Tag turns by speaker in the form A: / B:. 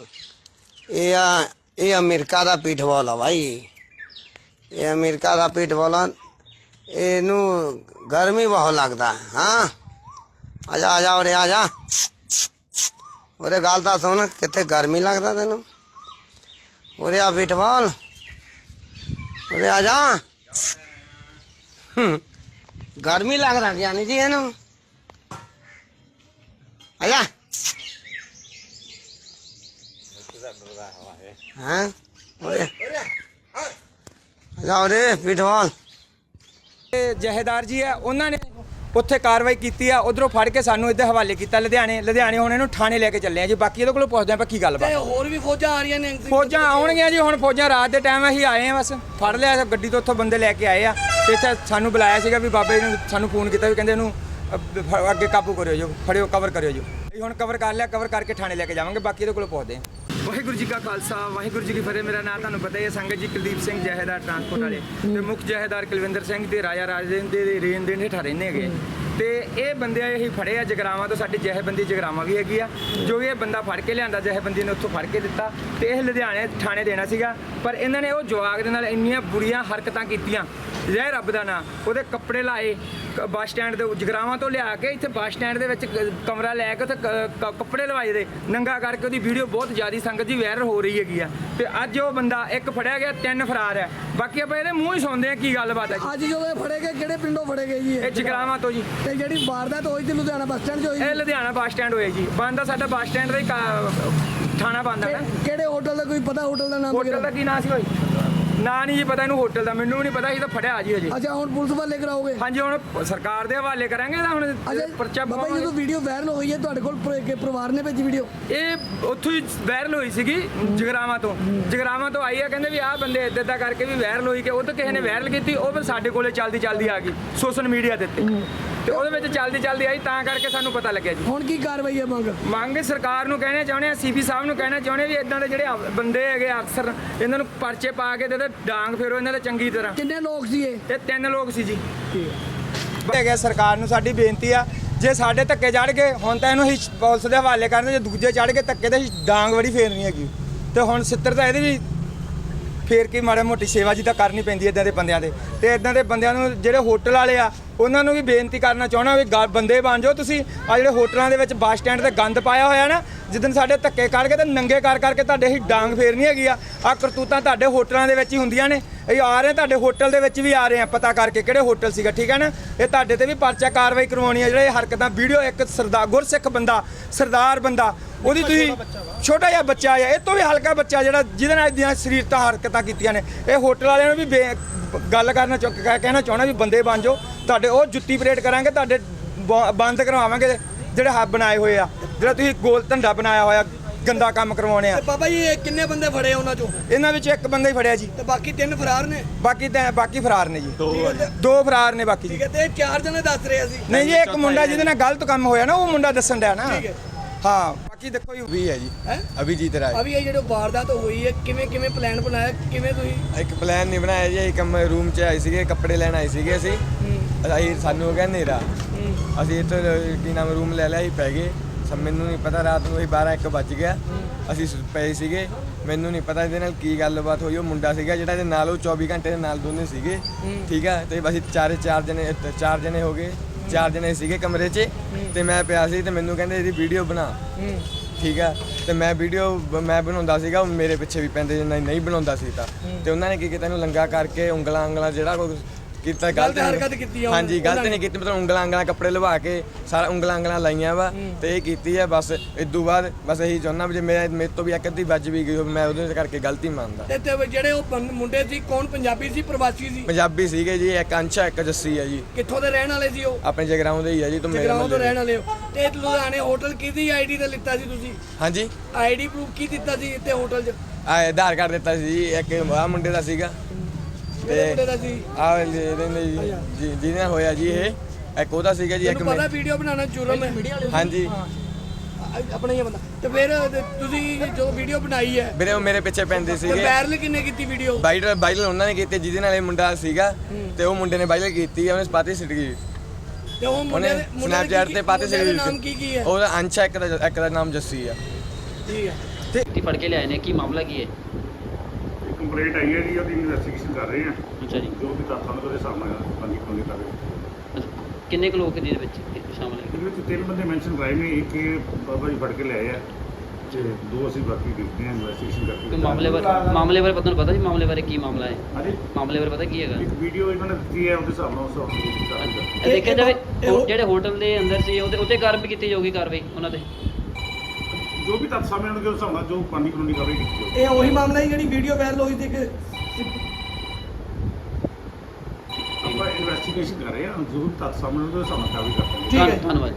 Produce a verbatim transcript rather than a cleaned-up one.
A: ਇਹ ਆ ਇਹ ਅਮਰੀਕਾ ਦਾ ਪੀਠਬੋਲ ਆ ਭਾਈ। ਇਹ ਅਮਰੀਕਾ ਦਾ ਪੀਠਬੋਲ ਆ। ਇਹਨੂੰ ਗਰਮੀ ਬਹੁਤ ਲੱਗਦਾ। ਹਾਂ ਆ ਜਾ ਆ ਜਾ ਉਰੇ ਆ ਜਾ। ਉਹਦੇ ਗੱਲ ਤਾਂ ਸੁਣ, ਕਿੱਥੇ ਗਰਮੀ ਲੱਗਦਾ ਤੈਨੂੰ? ਉਰੇ ਆ ਪੀਠਬੋਲ, ਉਰੇ ਆ ਜਾ। ਗਰਮੀ ਲੱਗਦਾ ਜਾਨੀ ਜੀ ਇਹਨੂੰ। ਆ ਜਾ। ਹਾਂ ਉਰੇ ਜਾ ਉਰੇ ਪੀਠਬੋਲ।
B: ਜਹੇਦਾਰ ਜੀ ਹੈ, ਉਹਨਾਂ ਨੇ ਉੱਥੇ ਕਾਰਵਾਈ ਕੀਤੀ ਆ। ਉਧਰੋਂ ਫੜ ਕੇ ਸਾਨੂੰ ਇੱਧਰ ਹਵਾਲੇ ਕੀਤਾ ਲੁਧਿਆਣੇ। ਲੁਧਿਆਣੇ ਹੁਣ ਇਹਨੂੰ ਥਾਣੇ ਲੈ ਕੇ ਚੱਲੇ ਆ ਜੀ। ਬਾਕੀ ਇਹਦੇ ਕੋਲੋਂ ਪੁੱਛਦੇ ਆਪਾਂ ਕੀ ਗੱਲਬਾਤ।
C: ਤੇ ਹੋਰ ਵੀ ਫੌਜਾਂ ਆ ਰਹੀਆਂ ਨੇ?
B: ਫੌਜਾਂ ਆਉਣਗੀਆਂ ਜੀ। ਹੁਣ ਫੌਜਾਂ ਰਾਤ ਦੇ ਟਾਈਮ ਅਸੀਂ ਆਏ ਆ, ਬਸ ਫੜ ਲਿਆ ਗੱਡੀ ਤੋਂ, ਉੱਥੋਂ ਬੰਦੇ ਲੈ ਕੇ ਆਏ ਆ ਤੇ ਇੱਥੇ ਸਾਨੂੰ ਬੁਲਾਇਆ ਸੀਗਾ ਵੀ ਬਾਬੇ ਨੂੰ ਸਾਨੂੰ ਫੋਨ ਕੀਤਾ ਵੀ ਕਹਿੰਦੇ ਇਹਨੂੰ ਅੱਗੇ ਕਾਬੂ ਕਰਿਓ ਜੋ, ਫੜਿਓ, ਕਵਰ ਕਰਿਓ ਜੋ। ਅਸੀਂ ਹੁਣ ਕਵਰ ਕਰ ਲਿਆ, ਕਵਰ ਕਰਕੇ ਥਾਣੇ ਲੈ ਕੇ ਜਾਵਾਂਗੇ। ਬਾਕੀ ਇਹਦੇ ਕੋਲੋਂ ਪੁੱਛਦੇ ਆ। ਵਾਹਿਗੁਰੂ ਜੀ ਕਾ ਖਾਲਸਾ ਵਾਹਿਗੁਰੂ ਜੀ ਕੀ ਫਤਿਹ। ਮੇਰਾ ਨਾਮ ਤੁਹਾਨੂੰ ਪਤਾ ਹੀ ਹੈ ਸੰਗਤ ਜੀ, ਕੁਲਦੀਪ ਸਿੰਘ ਜਹੇਦਾਰ ਟਰਾਂਸਪੋਰਟ ਵਾਲੇ ਤੇ ਮੁੱਖ ਜਹੇਦਾਰ ਕੁਲਵਿੰਦਰ ਸਿੰਘ ਤੇ ਰਾਜਾ ਰਾਜੇਂਦਰ ਦੇ ਰੇਨ ਦੇ ਹੇਠਾਂ ਰਹਿੰਦੇ ਹੈਗੇ। ਤੇ ਇਹ ਬੰਦੇ ਅਸੀਂ ਫੜੇ ਆ ਜਗਰਾਵਾਂ ਤੋਂ। ਸਾਡੀ ਜਹੇਬੰਦੀ ਜਗਰਾਵਾਂ ਵੀ ਹੈਗੀ ਆ, ਜੋ ਇਹ ਬੰਦਾ ਫੜ ਕੇ ਲਿਆਂਦਾ ਜਹੇਬੰਦੀ ਨੇ ਉੱਥੋਂ ਫੜ ਕੇ ਦਿੱਤਾ ਤੇ ਇਹ ਲੁਧਿਆਣੇ ਥਾਣੇ ਦੇਣਾ ਸੀਗਾ। ਪਰ ਇਹਨਾਂ ਨੇ ਉਹ ਜਵਾਕ ਦੇ ਨਾਲ ਇੰਨੀਆਂ ਬੁਰੀਆਂ ਹਰਕਤਾਂ ਕੀਤੀਆਂ, ਜੈ ਰੱਬ ਦਾ ਨਾਂ। ਉਹਦੇ ਕੱਪੜੇ ਲਾਏ ਬੱਸ ਸਟੈਂਡ ਦੇ ਜਗਰਾਵਾਂ ਤੋਂ ਲਿਆ ਕੇ ਇੱਥੇ ਬੱਸ ਸਟੈਂਡ ਦੇ ਵਿੱਚ ਕਮਰਾ ਲੈ ਕੇ ਉੱਥੇ ਕੱਪੜੇ ਲਵਾਏ ਦੇ ਨੰਗਾ ਕਰਕੇ। ਉਹਦੀ ਵੀਡੀਓ ਬਹੁਤ ਜ਼ਿਆਦਾ ਸੰਗਤ ਜੀ ਵਾਇਰਲ ਹੋ ਰਹੀ ਹੈਗੀ ਆ। ਤੇ ਅੱਜ ਉਹ ਬੰਦਾ ਇੱਕ ਫੜਿਆ ਗਿਆ, ਤਿੰਨ ਫਰਾਰ ਹੈ। ਬਾਕੀ ਆਪਾਂ ਇਹਦੇ ਮੂੰਹ ਹੀ ਸੁਣਦੇ ਆ ਕੀ ਗੱਲਬਾਤ ਹੈ ਜੀ।
C: ਅੱਜ ਜਦੋਂ ਇਹ ਫੜੇ ਗਏ ਕਿਹੜੇ ਪਿੰਡੋਂ ਫੜੇ ਗਏ ਜੀ?
B: ਇਹ ਜਗਰਾਵਾਂ ਤੋਂ ਜੀ।
C: ਤੇ ਜਿਹੜੀ ਵਾਰਦਾਤ ਹੋਈ ਸੀ ਲੁਧਿਆਣਾ ਬੱਸ ਸਟੈਂਡ 'ਚ ਹੋਈ?
B: ਇਹ ਲੁਧਿਆਣਾ ਬੱਸ ਸਟੈਂਡ ਹੋਇਆ ਜੀ। ਬੰਦ ਆ ਸਾਡਾ ਬੱਸ ਸਟੈਂਡ ਦਾ ਹੀ ਥਾਣਾ ਬੰਦ ਹੈ।
C: ਕਿਹੜੇ ਹੋਟਲ ਦਾ ਕੋਈ ਪਤਾ? ਹੋਟਲ ਦਾ ਨਾਮ?
B: ਹੋਟਲ ਦਾ ਕੀ ਨਾਂ ਸੀ ਭਾਈ? ਨਾਂ ਨਹੀਂ ਜੀ ਪਤਾ ਇਹਨੂੰ ਹੋਟਲ ਦਾ, ਮੈਨੂੰ ਵੀ ਨਹੀਂ ਪਤਾ। ਇਹ ਤਾਂ ਫੜਿਆ ਜੀ ਹਜੇ।
C: ਅੱਛਾ, ਹੁਣ ਪੁਲਿਸ ਵਾਲੇ ਕਰਾਓਗੇ?
B: ਹਾਂਜੀ, ਹੁਣ ਸਰਕਾਰ ਦੇ ਹਵਾਲੇ ਕਰਾਂਗੇ ਤਾਂ ਹੁਣ ਪਰਚਾ
C: ਬਾਬਾ ਜੀ, ਜਦੋਂ ਵੀਡੀਓ ਵਾਇਰਲ ਹੋਈ ਹੈ ਤੁਹਾਡੇ ਕੋਲ ਪਰਿਵਾਰ ਨੇ ਭੇਜੀ ਵੀਡੀਓ?
B: ਇਹ ਉੱਥੋਂ ਹੀ ਵਾਇਰਲ ਹੋਈ ਸੀਗੀ ਜਗਰਾਵਾਂ ਤੋਂ। ਜਗਰਾਵਾਂ ਤੋਂ ਆਈ ਆ, ਕਹਿੰਦੇ ਵੀ ਆਹ ਬੰਦੇ ਇੱਦਾਂ ਇੱਦਾਂ ਕਰਕੇ ਵੀ ਵਾਇਰਲ ਹੋਈ ਕਿ ਉਹ ਤਾਂ ਕਿਸੇ ਨੇ ਵਾਇਰਲ ਕੀਤੀ। ਉਹ ਫਿਰ ਸਾਡੇ ਕੋਲੇ ਚੱਲਦੀ ਚੱਲਦੀ ਆ ਗਈ ਸੋਸ਼ਲ ਮੀਡੀਆ ਦੇ ਉੱਤੇ ਤੇ ਉਹਦੇ ਵਿੱਚ ਚੱਲਦੀ ਚੱਲਦੀ ਆਈ, ਤਾਂ ਕਰਕੇ ਸਾਨੂੰ ਪਤਾ ਲੱਗਿਆ ਜੀ।
C: ਹੁਣ ਕੀ ਕਾਰਵਾਈ ਹੈ? ਮੰਗ
B: ਮੰਗ ਸਰਕਾਰ ਨੂੰ ਕਹਿਣਾ ਚਾਹੁੰਦੇ ਆ, ਸੀਪੀ ਸਾਹਿਬ ਨੂੰ ਕਹਿਣਾ ਚਾਹੁੰਦੇ ਵੀ ਇਦਾਂ ਦੇ ਜਿਹੜੇ ਬੰਦੇ ਹੈਗੇ ਅਕਸਰ, ਇਹਨਾਂ ਨੂੰ ਪਰਚੇ ਪਾ ਕੇ ਤੇ ਡਾਂਗ ਫੇਰੋ ਇਹਨਾਂ ਦੇ ਚੰਗੀ ਤਰ੍ਹਾਂ।
C: ਕਿੰਨੇ ਲੋਕ ਸੀ ਇਹ?
B: ਇਹ ਤਿੰਨ ਲੋਕ ਸੀ ਜੀ। ਹੈਗਾ ਸਰਕਾਰ ਨੂੰ ਸਾਡੀ ਬੇਨਤੀ ਆ, ਜੇ ਸਾਡੇ ਧੱਕੇ ਚੜ ਗਏ ਹੁਣ ਤਾਂ ਇਹਨੂੰ ਅਸੀਂ ਪੁਲਿਸ ਦੇ ਹਵਾਲੇ ਕਰਨੇ। ਜੇ ਦੂਜੇ ਚੜ ਕੇ ਧੱਕੇ ਤੇ ਡਾਂਗ ਬੜੀ ਫੇਰਨੀ ਹੈਗੀ। ਤੇ ਹੁਣ ਸਿੱਤਰ ਤਾਂ ਇਹਦੀ ਵੀ ਫੇਰ ਕੇ ਮਾੜਾ ਮੋਟੀ ਸੇਵਾ ਜੀ ਤਾਂ ਕਰਨੀ ਪੈਂਦੀ ਇੱਦਾਂ ਦੇ ਬੰਦਿਆਂ ਦੇ। ਤੇ ਇੱਦਾਂ ਦੇ ਬੰਦਿਆਂ ਨੂੰ ਜਿਹੜੇ ਹੋਟਲ ਵਾਲੇ ਆ ਉਹਨਾਂ ਨੂੰ ਵੀ ਬੇਨਤੀ ਕਰਨਾ ਚਾਹੁੰਦਾ ਵੀ ਬੰਦੇ ਬਣ ਜਾਓ ਤੁਸੀਂ। ਆ ਜਿਹੜੇ ਹੋਟਲਾਂ ਦੇ ਵਿੱਚ ਬੱਸ ਸਟੈਂਡ ਤੇ ਗੰਦ ਪਾਇਆ ਹੋਇਆ ਨਾ, ਜਿੱਦਣ ਸਾਡੇ ਧੱਕੇ ਕੱਢ ਕੇ ਤੇ ਨੰਗੇ ਕਰ ਕਰਕੇ ਤੁਹਾਡੇ ਹੀ ਡਾਂਗ ਫੇਰਨੀ ਹੈਗੀ ਆ। ਆ ਕਰਤੂਤਾਂ ਤੁਹਾਡੇ ਹੋਟਲਾਂ ਦੇ ਵਿੱਚ ਹੀ ਹੁੰਦੀਆਂ ਨੇ। ਇਹ ਆ ਰਹੇ ਤੁਹਾਡੇ ਹੋਟਲ ਦੇ ਵਿੱਚ ਵੀ ਆ ਰਹੇ ਆ, ਪਤਾ ਕਰਕੇ ਕਿਹੜੇ ਹੋਟਲ ਸੀਗਾ, ਠੀਕ ਹੈ ਨਾ। ਇਹ ਤੁਹਾਡੇ ਤੇ ਵੀ ਪਰਚਾ ਕਾਰਵਾਈ ਕਰਵਾਉਣੀ ਹੈ। ਜਿਹੜੇ ਹਰਕਤਾਂ ਵੀਡੀਓ ਇੱਕ ਸਰਦਾਰ ਗੁਰਸਿੱਖ ਬੰਦਾ, ਸਰਦਾਰ ਬੰਦਾ, ਉਹਦੀ ਤੁਸੀਂ ਛੋਟਾ ਜਿਹਾ ਬੱਚਾ ਆ, ਇਹ ਤੋਂ ਵੀ ਹਲਕਾ ਬੱਚਾ ਜਿਹੜਾ ਜਿਹਦੇ ਨਾਲ ਦੀਆਂ ਸਰੀਰਤਾ ਹਰਕਤਾਂ ਕੀਤੀਆਂ ਨੇ। ਇਹ ਹੋਟਲ ਵਾਲਿਆਂ ਨੂੰ ਵੀ ਗੱਲ ਕਰਨਾ ਕਹਿਣਾ ਚਾਹੁੰਦਾ ਵੀ ਬੰਦੇ ਬਣ ਜਾਓ। ਤੁਹਾਡੇ ਉਹ ਜੁੱਤੀ ਪਰੇਡ ਕਰਾਂਗੇ, ਤੁਹਾਡੇ ਬੰਦ ਕਰਵਾਵਾਂਗੇ ਜਿਹੜੇ ਹੱਬ ਬਣਾਏ ਹੋਏ ਆ, ਜਿਹੜਾ ਤੁਸੀਂ ਗੋਲ ਧੰਦਾ ਬਣਾਇਆ ਹੋਇਆ ਗੰਦਾ ਕੰਮ ਕਰਵਾਉਣੇ ਆ।
C: ਬਾਬਾ ਜੀ, ਇਹ ਕਿੰਨੇ ਬੰਦੇ ਫੜੇ ਉਹਨਾਂ ਚੋਂ?
B: ਇਹਨਾਂ ਵਿੱਚ ਇੱਕ ਬੰਦਾ ਹੀ ਫੜਿਆ ਜੀ
C: ਤੇ ਬਾਕੀ ਤਿੰਨ ਫਰਾਰ ਨੇ?
B: ਬਾਕੀ ਤਾਂ ਬਾਕੀ ਫਰਾਰ ਨੇ ਜੀ, ਦੋ ਫਰਾਰ ਨੇ ਬਾਕੀ ਜੀ।
C: ਠੀਕ ਹੈ, ਤੇ ਚਾਰ ਜਣੇ ਦੱਸ ਰਹੇ ਸੀ?
B: ਨਹੀਂ ਜੀ, ਇੱਕ ਮੁੰਡਾ ਜਿਹਦੇ ਨਾਲ ਗਲਤ ਕੰਮ ਹੋਇਆ ਨਾ, ਉਹ ਮੁੰਡਾ ਦੱਸਣ ਡਿਆ ਨਾ। ਹਾਂ, ਬਾਕੀ ਦੇਖੋ ਜੀ
D: ਵੀ ਹੈ ਜੀ ਅਭਿਜੀਤ ਰਾਏ।
C: ਅਭੀ ਇਹ ਜਿਹੜੇ ਵਾਰਦਾਤ ਹੋਈ ਹੈ, ਕਿਵੇਂ ਕਿਵੇਂ ਪਲਾਨ ਬਣਾਇਆ? ਕਿਵੇਂ ਤੁਸੀਂ?
D: ਇੱਕ ਪਲਾਨ ਨਹੀਂ ਬਣਾਇਆ ਜੀ। ਇੱਕ ਰੂਮ 'ਚ ਆਏ ਸੀਗੇ, ਕੱਪੜੇ ਲੈਣ ਆਏ ਸੀਗੇ ਅਸੀਂ। ਅਸੀਂ ਸਾਨੂੰ ਹੋ ਗਿਆ ਹਨੇਰਾ, ਅਸੀਂ ਇੱਥੇ ਕੀ ਨਾਮ ਰੂਮ ਲੈ ਲਿਆ, ਅਸੀਂ ਪੈ ਗਏ। ਮੈਨੂੰ ਨਹੀਂ ਪਤਾ, ਰਾਤ ਨੂੰ ਅਸੀਂ ਬਾਰਾਂ ਇੱਕ ਵੱਜ ਗਿਆ, ਅਸੀਂ ਪਏ ਸੀਗੇ। ਮੈਨੂੰ ਨਹੀਂ ਪਤਾ ਇਹਦੇ ਨਾਲ ਕੀ ਗੱਲਬਾਤ ਹੋਈ। ਉਹ ਮੁੰਡਾ ਸੀਗਾ ਜਿਹੜਾ ਇਹਦੇ ਨਾਲ, ਉਹ ਚੌਵੀ ਘੰਟੇ ਦੇ ਨਾਲ ਦੋਨੇ ਸੀਗੇ, ਠੀਕ ਆ। ਤੇ ਅਸੀਂ ਚਾਰੇ ਚਾਰ ਜਣੇ ਚਾਰ ਜਣੇ ਹੋ ਗਏ, ਚਾਰ ਜਣੇ ਸੀਗੇ ਕਮਰੇ 'ਚ ਤੇ ਮੈਂ ਪਿਆ ਸੀ। ਤੇ ਮੈਨੂੰ ਕਹਿੰਦੇ ਇਹਦੀ ਵੀਡੀਓ ਬਣਾ, ਠੀਕ ਆ। ਤੇ ਮੈਂ ਵੀਡੀਓ ਮੈਂ ਬਣਾਉਂਦਾ ਸੀਗਾ, ਮੇਰੇ ਪਿੱਛੇ ਵੀ ਪੈਂਦੇ ਜੇ ਨਹੀਂ ਬਣਾਉਂਦਾ ਸੀ ਤਾਂ। ਤੇ ਉਹਨਾਂ ਨੇ ਕੀ ਕੀਤਾ, ਇਹਨੂੰ ਲੰਗਾ ਕਰਕੇ ਉਂਗਲਾਂ ਉਂਗਲਾਂ ਜਿਹੜਾ ਕੋਈ ਕੀਤਾ ਗਲਤ
C: ਹਰਕਤ ਕੀਤੀ।
D: ਹਾਂਜੀ, ਗਲਤ ਨਹੀਂ ਕੀਤੀ, ਮਤਲਬ ਉਂਗਲਾਂ ਉਂਗਲਾਂ ਕੱਪੜੇ ਲਵਾ ਕੇ ਸਾਰਾ ਉਂਗਲਾਂ ਉਂਗਲਾਂ ਲਾਈਆਂ ਵਾ ਤੇ ਇਹ ਕੀਤੀ ਹੈ। ਬਸ ਇਦੋਂ ਬਾਅਦ ਬਸ ਇਹੀ ਚਾਹੁੰਦਾ ਵੀ ਜੇ ਮੇਰੇ ਮੇਰੇ ਤੋਂ ਵੀ ਇੱਕ ਅੱਧੀ ਵੱਜ ਵੀ ਗਈ ਮੈਂ ਉਹਦੇ ਕਰਕੇ ਗਲਤੀ ਮੰਨਦਾ।
C: ਤੇ ਜਿਹੜੇ ਉਹ ਮੁੰਡੇ ਸੀ, ਕੌਣ ਪੰਜਾਬੀ ਸੀ ਪ੍ਰਵਾਸੀ ਸੀ?
D: ਪੰਜਾਬੀ ਸੀਗੇ ਜੀ, ਇੱਕ ਅੰਸ਼ਾ ਇੱਕ ਜੱਸੀ ਹੈ ਜੀ।
C: ਕਿੱਥੋਂ ਦੇ ਰਹਿਣ ਵਾਲੇ ਸੀ ਉਹ?
D: ਆਪਣੇ ਜਗਰਾਉਂ ਦੇ ਹੀ ਆ ਜੀ। ਤੁਮ
C: ਜਗਰਾਉਂ ਤੋਂ ਰਹਿਣ ਵਾਲੇ ਹੋ। ਤੇ ਲੁਧਿਆਣੇ ਹੋਟਲ ਕਿਹਦੀ ਆਈਡੀ ਤੇ ਲਿੱਤਾ ਸੀ ਤੁਸੀਂ? ਹਾਂਜੀ, ਆਈਡੀ ਪ੍ਰੂਫ ਕੀ ਦਿੱਤਾ ਸੀ ਇੱਥੇ ਹੋਟਲ 'ਚ?
D: ਆਧਾਰ ਕਾਰਡ ਦਿੱਤਾ ਸੀ ਜੀ। ਇੱਕ ਆ ਮੁੰਡੇ ਦਾ ਸੀਗਾ ਤੇ ਆ ਜੀ ਜਿਹਨੇ ਹੋਇਆ ਜੀ ਇਹ ਇੱਕ ਉਹਦਾ ਸੀਗਾ ਜੀ। ਇੱਕ
C: ਪਤਾ ਵੀਡੀਓ ਬਣਾਉਣਾ ਜੁਰਮ ਹੈ?
D: ਹਾਂਜੀ,
C: ਆਪਣਾ ਹੀ ਬੰਦਾ। ਤੇ ਫਿਰ ਤੁਸੀਂ ਜੋ ਵੀਡੀਓ ਬਣਾਈ ਹੈ
D: ਵੀਰੇ ਉਹ ਮੇਰੇ ਪਿੱਛੇ ਪੈਂਦੇ ਸੀਗੇ।
C: ਵਾਇਰਲ ਕਿੰਨੇ ਕੀਤੀ ਵੀਡੀਓ?
D: ਵਾਇਰਲ ਵਾਇਰਲ ਉਹਨਾਂ ਨੇ ਕੀਤੀ ਜਿਹਦੇ ਨਾਲ ਇਹ ਮੁੰਡਾ ਸੀਗਾ ਤੇ ਉਹ ਮੁੰਡੇ ਨੇ ਵਾਇਰਲ ਕੀਤੀ, ਉਹਨੇ ਪਾਤੀ ਸਿੱਟ ਗਈ।
C: ਤੇ ਉਹ ਮੁੰਡੇ ਦੇ
D: ਸਨੈਪਚੈਟ ਤੇ ਪਾਤੇ ਸਿੱਟ ਗਈ।
C: ਨਾਮ ਕੀ ਕੀ ਹੈ?
D: ਉਹਦਾ ਅੰਸ਼ਾ, ਇੱਕ ਦਾ ਇੱਕ ਦਾ ਨਾਮ ਜੱਸੀ ਆ।
C: ਠੀਕ ਹੈ।
B: ਤੇ
E: ਫੜ ਕੇ ਲਿਆਏ ਨੇ, ਕੀ ਮਾਮਲਾ ਕੀ ਹੈ?
F: ਕੰਪਲੇਂਟ ਆਈ ਹੈ ਜੀ, ਉਹਦੀ ਇਨਵੈਸਟੀਗੇਸ਼ਨ ਕਰ ਰਹੇ ਆ,
E: ਅੱਛਾ ਜੀ।
F: ਜੋ ਵੀ ਤੱਥਾਂ ਦੇ ਸਾਹਮਣੇ ਬੰਦੀ ਕੋਲੇ ਕਰ ਰਹੇ
E: ਅੱਛਾ, ਕਿੰਨੇ ਕੁ ਲੋਕ ਜਿਹਦੇ ਵਿੱਚ ਸ਼ਾਮਲ ਹੈ?
F: ਇਹਦੇ ਵਿੱਚ ਤਿੰਨ ਬੰਦੇ ਮੈਂਸ਼ਨ ਕਰਾਏ ਨੇ, ਇੱਕ ਇਹ ਬਾਬਾ ਜੀ ਫੜ ਕੇ ਲਿਆਏ ਆ ਤੇ ਦੋ ਅਸੀਂ ਬਾਕੀ ਦੇਖਦੇ ਹਾਂ ਇਨਵੈਸਟੀਗੇਸ਼ਨ
E: ਕੋਈ
F: ਕਰਕੇ।
E: ਮਾਮਲੇ ਬਾਰੇ ਮਾਮਲੇ ਬਾਰੇ ਪਤਾ ਨੂੰ ਪਤਾ ਜੀ ਮਾਮਲੇ ਬਾਰੇ ਕੀ ਮਾਮਲਾ ਹੈ?
F: ਹਾਂਜੀ,
E: ਮਾਮਲੇ ਬਾਰੇ ਪਤਾ ਕੀ ਹੈਗਾ?
F: ਇੱਕ ਵੀਡੀਓ ਇਹਨਾਂ ਨੇ ਦਿੱਤੀ ਹੈ, ਉਹਦੇ ਹਿਸਾਬ ਨਾਲ ਉਸ ਹਿਸਾਬ ਨਾਲ
E: ਅੱਛਾ,
F: ਕਰ
E: ਇਹ ਦੇਖਿਆ ਜਾਵੇ
C: ਇਹ ਹੋ-
E: ਜਿਹੜੇ ਹੋਟਲ ਦੇ ਅੰਦਰ ਸੀ ਉਹਦੇ ਉੱਤੇ ਕਾਰਵਾਈ ਕੀਤੀ ਜਾਊਗੀ, ਕਾਰਵਾਈ ਉਹਨਾਂ ਤੇ
F: ਜੋ ਵੀ ਤੱਥ ਸਾਹਮਣੇ ਆਉਣਗੇ ਉਸ ਹਿਸਾਬ ਨਾਲ ਜੋ ਬੰਦੀ ਕਾਨੂੰਨੀ ਕਾਰਵਾਈ ਕੀਤੀ ਜਾਊਗੀ।
C: ਇਹ ਉਹੀ ਮਾਮਲਾ ਹੈ ਜਿਹੜੀ ਵੀਡੀਓ ਵਾਇਰਲ ਹੋਈ ਸੀ ਕਿ
F: ਆਪਾਂ ਇਨਵੈਸਟੀਗੇਸ਼ਨ ਕਰ ਰਹੇ ਹਾਂ, ਜੋ ਵੀ ਤੱਥ ਸਾਹਮਣੇ ਆਉਣਗੇ ਉਸ ਹਿਸਾਬ ਨਾਲ ਕਾਰਵਾਈ ਕਰਾਂਗੇ।
C: ਠੀਕ ਹੈ।
E: ਧੰਨਵਾਦ।